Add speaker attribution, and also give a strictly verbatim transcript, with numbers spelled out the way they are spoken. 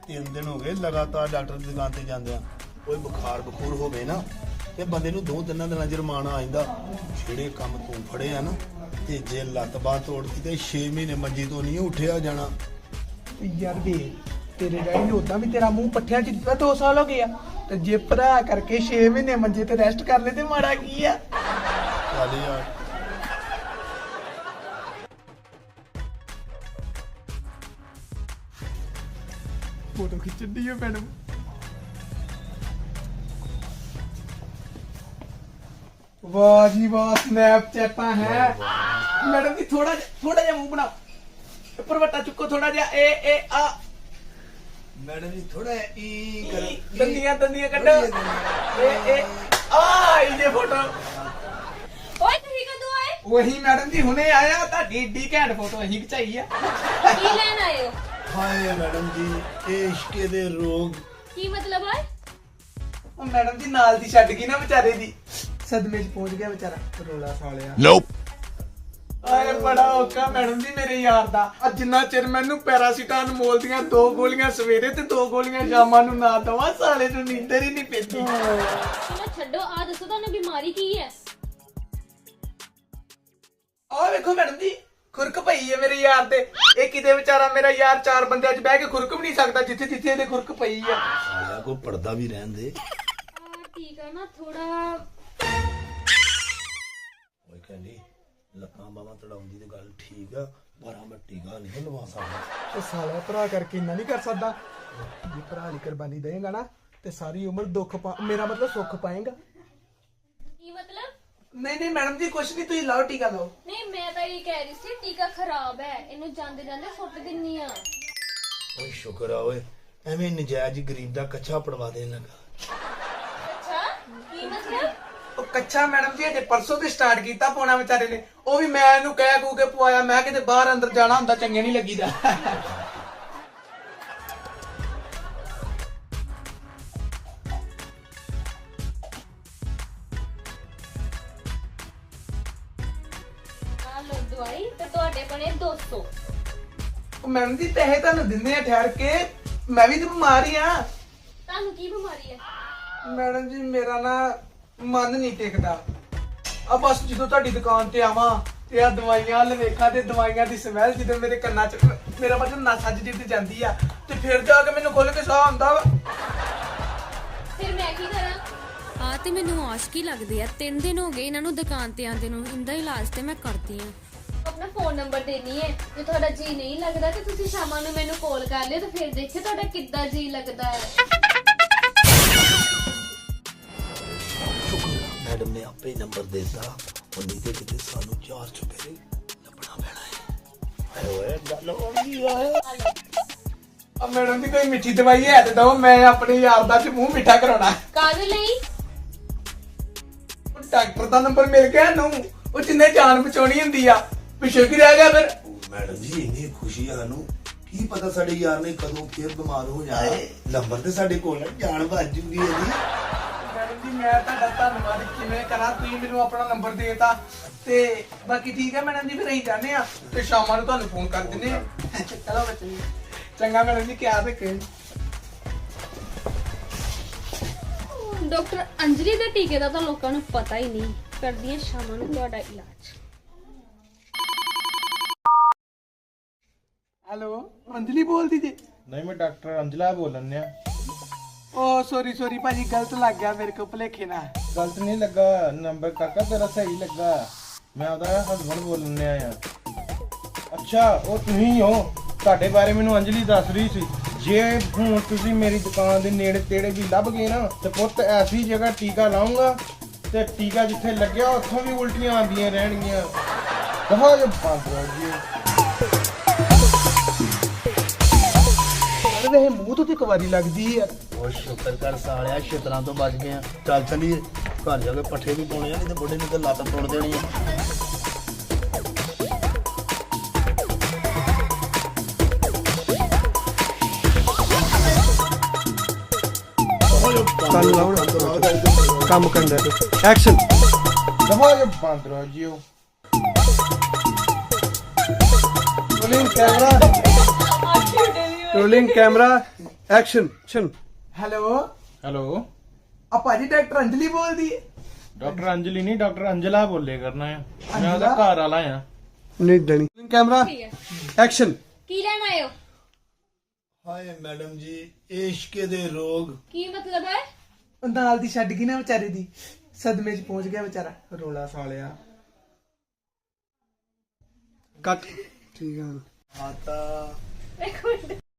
Speaker 1: तीन दिन हो गए लगातार डॉक्टर की दुकान से जाते हैं, कोई बुखार बखूर होवे ना ते बंदे नूं दो तीन दिन जुर्माना आ जांदा। ਜਿਹੜੇ ਕੰਮ ਤੂੰ ਫੜੇ ਆ ਨਾ ਤੇ ਜੇ ਲੱਤ ਬਾਹ ਤੋੜਦੀ ਤੇ छे ਮਹੀਨੇ ਮੰਜੀ ਤੋਂ ਨਹੀਂ ਉੱਠਿਆ ਜਾਣਾ।
Speaker 2: ਯਾਰ ਵੇ ਤੇਰੇ ਡੈਡੀ ਨੇ ਉਦਾਂ ਵੀ ਤੇਰਾ ਮੂੰਹ ਪੱਠਿਆਂ 'ਚ ਦਿੱਤਾ ਦੋ ਸਾਲ ਹੋ ਗਏ ਆ ਤੇ ਜੇ ਭਰਾ ਕਰਕੇ छे ਮਹੀਨੇ ਮੰਜੇ ਤੇ ਰੈਸਟ ਕਰ ਲੈ ਤੇ ਮਾੜਾ ਕੀ ਆ।
Speaker 1: ਚੱਲ ਯਾਰ
Speaker 2: ਫੋਟੋ ਖਿੱਚਣ ਦੀ ਹੈ ਮੈਡਮ। ਵਾਹ ਜੀ ਵਾਹ ਸਨੈਪਚੈਟਾਂ ਹੈ ਮੈਡਮ ਜੀ। ਥੋੜਾ ਥੋੜਾ ਜਿਹਾ ਮੂੰਹ ਬਣਾਓ, ਉੱਪਰ ਵੱਟਾ ਚੁੱਕੋ ਥੋੜਾ ਜਿਹਾ। ਏ ਏ ਆ
Speaker 1: ਮੈਡਮ ਜੀ ਥੋੜਾ ਈ ਕਰ
Speaker 2: ਦੰਦੀਆਂ ਦੰਦੀਆਂ ਕੱਢੋ। ਏ ਏ ਆ ਇਹ ਫੋਟੋ।
Speaker 3: ਓਏ ਤੁਸੀਂ ਕਦੋਂ ਆਏ?
Speaker 2: ਉਹੀ ਮੈਡਮ ਜੀ ਹੁਣੇ ਆਇਆ। ਤੁਹਾਡੀ ਏਡੀ ਘੈਂਟ ਫੋਟੋ ਅਸੀਂ ਖਿਚਾਈ ਆ।
Speaker 3: ਕੀ ਲੈਣ ਆਏ ਹੋ?
Speaker 1: ਹਾਏ ਮੈਡਮ ਜੀ ਇਹ ਇਸ਼ਕੇ ਦੇ ਰੋਗ।
Speaker 3: ਕੀ ਮਤਲਬ ਹੈ?
Speaker 2: ਉਹ ਮੈਡਮ ਜੀ ਨਾਲ ਦੀ ਛੱਡ ਗਈ ਨਾ ਵਿਚਾਰੇ ਦੀ, ਸਦਮੇ 'ਚ ਪਹੁੰਚ ਗਿਆ ਵਿਚਾਰਾ ਰੋਲਾ ਸਾਲਿਆ।
Speaker 4: ਨੋਪ
Speaker 2: ਆਏ ਬੜਾ ਔਖਾ ਮੈਡਮ ਜੀ ਮੇਰੇ ਯਾਰ ਦਾ। ਅੱਜ ਜਿੰਨਾ ਚਿਰ ਮੈਨੂੰ ਪੈਰਾਸੀਟਾਮੋਲ ਦੀਆਂ ਦੋ ਗੋਲੀਆਂ ਸਵੇਰੇ ਤੇ ਦੋ ਗੋਲੀਆਂ ਸ਼ਾਮਾਂ ਨੂੰ ਨਾ ਦਵਾ ਸਾਲੇ ਨੂੰ ਨੀਂਦਰ ਹੀ ਨਹੀਂ ਪੈਂਦੀ।
Speaker 3: ਚਲੋ ਛੱਡੋ, ਆ ਦੱਸੋ ਤੁਹਾਨੂੰ ਬਿਮਾਰੀ ਕੀ ਹੈ?
Speaker 2: ਆਹ ਵੇਖੋ ਮੈਡਮ ਜੀ ਖੁਰਕ ਪਈ ਹੈ ਮੇਰੇ ਯਾਰ ਤੇ। ਇਹ ਕਿਤੇ ਵਿਚਾਰਾ ਮੇਰਾ ਯਾਰ ਚਾਰ ਬੰਦਿਆਂ 'ਚ ਬਹਿ ਕੇ ਖੁਰਕ ਵੀ ਨਹੀਂ ਸਕਦਾ ਜਿੱਥੇ ਜਿੱਥੇ ਇਹਦੇ ਖੁਰਕ ਪਈ ਆ।
Speaker 1: ਸਾਲਾ ਕੋ ਪਰਦਾ ਵੀ ਰਹਿਣ ਦੇ।
Speaker 3: ਆ ਠੀਕ ਹੈ ਨਾ ਥੋੜਾ।
Speaker 1: ਓਏ ਕਹਿੰਦੀ ਲੱਤਾਂ ਬਾਹਾਂ ਤੜਾਉਂਦੀ ਤੇ ਗੱਲ ਠੀਕ ਆ, ਪਰ ਮੈਂ ਟੀਕਾ ਨਹੀਂ ਲਵਾ ਸਕਦਾ।
Speaker 2: ਉਹ ਸਾਲਾ ਭਰਾ ਕਰਕੇ ਇੰਨਾ ਨਹੀਂ ਕਰ ਸਕਦਾ। ਜੇ ਭਰਾ ਲਈ ਕੁਰਬਾਨੀ ਦੇਏਗਾ ਨਾ ਤੇ ਸਾਰੀ ਉਮਰ ਦੁੱਖ ਪਾ ਮੇਰਾ ਮਤਲਬ ਸੁੱਖ ਪਾਏਗਾ।
Speaker 3: ਕੀ ਮਤਲਬ?
Speaker 2: ਨਹੀਂ ਨਹੀਂ ਮੈਡਮ ਜੀ ਕੁਛ ਨਹੀਂ, ਤੁਸੀਂ ਲਾਓ ਟੀਕਾ ਲਾਓ।
Speaker 3: ਨਹੀਂ ਮੈਂ ਤਾਂ ਇਹ ਕਹਿ ਰਹੀ ਸੀ ਟੀਕਾ ਖਰਾਬ ਹੈ, ਇਹਨੂੰ ਜਾਂਦੇ ਜਾਂਦੇ ਸੁੱਟ ਦਿੰਨੀ ਆ।
Speaker 1: ਓਏ ਸ਼ੁਕਰ ਆ ਓਏ, ਐਵੇਂ ਨਜਾਇਜ਼ ਗਰੀਬ ਦਾ ਕੱਚਾ ਪੜਵਾ ਦੇਣ ਲੱਗਾ।
Speaker 3: ਅੱਛਾ ਕੀ ਮਤਲਬ?
Speaker 2: ਉਹ ਕੱਚਾ ਮੈਡਮ ਜੀ ਅਜੇ ਪਰਸੋਂ ਤੇ ਸਟਾਰਟ ਕੀਤਾ ਪਾਉਣਾ ਵਿਚਾਰੇ ਨੇ। ਉਹ ਵੀ ਮੈਂ ਇਹਨੂੰ ਕਹਿ ਕੂ ਕੇ ਪਵਾਇਆ। ਮੈਂ ਕਿਤੇ ਬਾਹਰ ਅੰਦਰ ਜਾਣਾ ਹੁੰਦਾ ਚੰਗੇ ਨਹੀਂ ਲੱਗੀਦਾ।
Speaker 3: ਆ ਲੋ ਦਵਾਈ ਤੇ ਤੁਹਾਡੇ ਬਣੇ ਦੋ ਸੌ।
Speaker 2: ਉਹ ਮੈਡਮ ਜੀ ਪੈਸੇ ਤੁਹਾਨੂੰ ਦਿੰਦੇ ਆ ਠਹਿਰ ਕੇ, ਮੈਂ ਵੀ ਤਾਂ ਬਿਮਾਰ ਹੀ ਆ।
Speaker 3: ਤੁਹਾਨੂੰ ਕੀ ਬਿਮਾਰੀ ਹੈ?
Speaker 2: ਮੈਡਮ ਜੀ ਮੇਰਾ ਨਾ ਮਨ ਨਹੀਂ ਟਿਕਦਾ। ਆ ਬਸ ਜਦੋਂ ਤੁਹਾਡੀ ਦੁਕਾਨ ਤੇ ਆਵਾਂ ਤੇ ਆ ਦਵਾਈਆਂ ਵੱਲ ਵੇਖਾਂ ਤੇ ਦਵਾਈਆਂ ਦੀ ਸਮੈਲ ਜਦੋਂ ਮੇਰੇ ਕੰਨਾਂ 'ਚ ਮੇਰਾ ਮਤਲਬ ਨਸ ਅੱਜ ਜਿੱਦ ਜਾਂਦੀ ਆ ਤੇ ਫਿਰ ਜਾ ਕੇ ਮੈਨੂੰ ਖੁੱਲ ਕੇ ਸਾਹ ਆਉਂਦਾ ਵਾ।
Speaker 3: ਫਿਰ ਮੈਂ ਕੀ ਕਰਾਂ?
Speaker 5: ਆ ਤੇ ਮੈਨੂੰ ਆਸ਼ਕੀ ਲੱਗਦੀ ਆ। ਤਿੰਨ ਦਿਨ ਹੋ ਗਏ ਇਹਨਾਂ ਨੂੰ ਦੁਕਾਨ ਤੇ ਆਂਦੇ ਨੂੰ। ਇੰਦਾ ਇਲਾਜ ਤੇ ਮੈਂ ਕਰਦੀ ਆ।
Speaker 3: ਆਪਣਾ ਫੋਨ ਨੰਬਰ ਦੇਣੀ ਹੈ। ਜੇ ਤੁਹਾਡਾ ਜੀ ਨਹੀਂ ਲੱਗਦਾ ਤੇ ਤੁਸੀਂ ਸ਼ਾਮਾਂ ਨੂੰ ਮੈਨੂੰ ਕਾਲ ਕਰ ਲਿਓ ਤੇ ਫਿਰ ਦੇਖਿਓ ਤੁਹਾਡਾ ਕਿੱਦਾਂ ਜੀ ਲੱਗਦਾ ਹੈ।
Speaker 1: ਮੈਡਮ ਨੇ ਆਪੇ ਨੰਬਰ ਦੇ ਦਿੱਤਾ। ਉਹ ਨਹੀਂ ਤੇ ਕਿਤੇ ਸਾਨੂੰ ਚਾਰ ਚੁਪੇਰੇ ਲੱਭਣਾ ਪੈਣਾ ਹੈ। ਆਏ ਓਏ ਗੱਲ ਹੋ ਗਈ ਆ।
Speaker 2: ਆ ਮੈਡਮ ਜੀ ਕੋਈ ਮਿੱਠੀ ਦਵਾਈ ਹੈ ਤੇ ਦੋ, ਮੈਂ ਆਪਣੇ ਯਾਰ ਦਾ ਚ ਮੂੰਹ ਮਿੱਠਾ ਕਰਾਉਣਾ।
Speaker 3: ਕਾਹਦੇ ਲਈ?
Speaker 2: ਉਹ ਡਾਕਟਰ ਦਾ ਨੰਬਰ ਮਿਲ ਗਿਆ ਨੂੰ, ਉਹ ਜਿੰਨੇ ਜਾਨ ਬਚਾਉਣੀ ਹੁੰਦੀ ਆ ਪਿੱਛੇ ਕੀ ਰਹਿ ਗਿਆ ਫਿਰ।
Speaker 1: ਮੈਡਮ ਜੀ ਇੰਨੀ ਖੁਸ਼ੀ ਆ ਸਾਨੂੰ, ਕੀ ਪਤਾ ਸਾਡੇ ਯਾਰ ਨੇ ਕਦੋਂ ਫੇਰ ਬਿਮਾਰ ਹੋ ਜਾਣਾ। ਨੰਬਰ ਤੇ ਸਾਡੇ ਕੋਲ ਹੈ, ਜਾਨ ਬਚ ਜੂਗੀ ਇਹਦੀ।
Speaker 2: ਮੈਡਮ ਜੀ ਮੈਂ ਤੁਹਾਡਾ ਧੰਨਵਾਦ ਕਿਵੇਂ ਕਰਾਂ, ਤੁਸੀਂ ਮੈਨੂੰ ਆਪਣਾ ਨੰਬਰ ਦੇਤਾ ਤੇ ਬਾਕੀ ਠੀਕ ਹੈ ਮੈਡਮ ਜੀ। ਫਿਰ ਅਸੀਂ ਜਾਂਦੇ ਆ ਤੇ ਸ਼ਾਮਾਂ ਨੂੰ ਤੁਹਾਨੂੰ ਫੋਨ ਕਰ ਦਿੰਦੇ ਆ। ਚਲੋ ਬੱਚੇ ਜੀ ਚੰਗਾ ਮੈਡਮ ਜੀ, ਕਿਆ ਰੱਖੇ।
Speaker 3: ਡਾਕਟਰ ਅੰਜਲੀ ਦੇ ਟੀਕੇ ਦਾ ਤਾਂ ਲੋਕਾਂ ਨੂੰ ਪਤਾ ਹੀ ਨਹੀਂ। ਕਰਦੀਆਂ ਸ਼ਾਮਾਂ ਨੂੰ ਤੁਹਾਡਾ ਇਲਾਜ।
Speaker 2: ਹੈਲੋ ਅੰਜਲੀ ਬੋਲਦੀ ਜੀ?
Speaker 6: ਨਹੀਂ ਮੈਂ ਡਾਕਟਰ ਅੰਜਲਾ ਬੋਲਣ ਆ।
Speaker 2: ਓ ਸੌਰੀ ਸੌਰੀ ਭਾਜੀ ਗਲਤ ਲੱਗ ਗਿਆ ਮੇਰੇ ਕੋ ਭੁਲੇਖੇ ਨਾਲ।
Speaker 6: ਗਲਤ ਨਹੀਂ ਲੱਗਾ ਨੰਬਰ, ਕਾਕਾ ਤੇਰਾ ਸਹੀ ਲੱਗਾ। ਮੈਂ ਉਹਦਾ ਹਸਬੰਡ ਬੋਲਣ ਆ ਯਾਰ। ਅੱਛਾ ਉਹ ਤੁਸੀਂ ਹੋ, ਤੁਹਾਡੇ ਬਾਰੇ ਮੈਨੂੰ ਅੰਜਲੀ ਦੱਸ ਰਹੀ ਸੀ। ਜੇ ਹੁਣ ਤੁਸੀਂ ਮੇਰੀ ਦੁਕਾਨ ਦੇ ਨੇੜੇ ਤੇੜੇ ਵੀ ਲੱਭ ਗਏ ਨਾ ਤੇ ਪੁੱਤ ਐਸੀ ਜਗ੍ਹਾ ਟੀਕਾ ਲਾਉਂਗਾ ਤੇ ਟੀਕਾ ਜਿੱਥੇ ਲੱਗਿਆ ਉੱਥੋਂ ਵੀ ਉਲਟੀਆਂ ਆਉਂਦੀਆਂ ਰਹਿਣਗੀਆਂ। ਦਫਾ ਜੋ ਬੰਦ ਹੋ ਜੀ।
Speaker 2: ਅਰੇ ਮੂੰਹ ਤੋਂ ਤੇ ਕਵਾਰੀ ਲੱਗਦੀ ਯਾਰ।
Speaker 1: ਉਹ ਸ਼ੁਕਰ ਕਰ ਸਾਲਿਆ ਛਿੱਤਰਾਂ ਤੋਂ ਬਚ ਗਏ ਆ। ਚੱਲ ਚਲੀਏ ਘਰ ਜਾ ਕੇ ਪੱਠੇ ਵੀ ਪਾਉਣੇ ਆ, ਨਹੀਂ ਤੇ ਬੁੱਢੇ ਨੂੰ ਤੇ ਲੱਤ ਤੋੜ ਦੇਣੀ ਆ।
Speaker 2: ਕੱਲ ਲਾਉਣ ਕੰਮ ਕਰਦਾ ਤੇ ਐਕਸ਼ਨ।
Speaker 6: ਦਫਾ ਜੋ ਬੰਦ ਹੋ ਜੀ।
Speaker 2: Rolling camera rolling camera action ਸ਼ਨ ਹੈਲੋ
Speaker 6: ਹੈਲੋ
Speaker 2: ਆ ਭਾਜੀ ਡਾਕਟਰ ਅੰਜਲੀ ਬੋਲਦੀ ਹੈ
Speaker 6: ਡਾਕਟਰ ਅੰਜਲੀ ਨਹੀਂ ਡਾਕਟਰ ਅੰਜਲਾ ਬੋਲੇ ਕਰਨਾ ਆ ਮੈਂ ਉਹਦਾ ਘਰ ਵਾਲਾ ਆ
Speaker 2: ਨਹੀਂ ਦਣੀ ਕੈਮਰਾ
Speaker 3: ਠੀਕ ਹੈ
Speaker 2: ਐਕਸ਼ਨ
Speaker 3: ਕੀ ਲੈਣ ਆਏ ਹੋ?
Speaker 1: ਹਾਏ ਮੈਡਮ ਜੀ ਇਸ਼ਕ ਦੇ ਰੋਗ
Speaker 3: ਕੀ ਮਤਲਬ ਹੈ?
Speaker 2: ਨਾਲ ਦੀ ਛੱਡ ਗਈ ਨਾ ਵਿਚਾਰੇ ਦੀ ਸਦਮੇ 'ਚ ਪਹੁੰਚ ਗਿਆ ਵਿਚਾਰਾ ਰੋਲਾ ਸਾਲਿਆ ਕੱਟ ਠੀਕ ਹੈ
Speaker 1: ਆਤਾ
Speaker 3: ਇੱਕ ਮਿੰਟ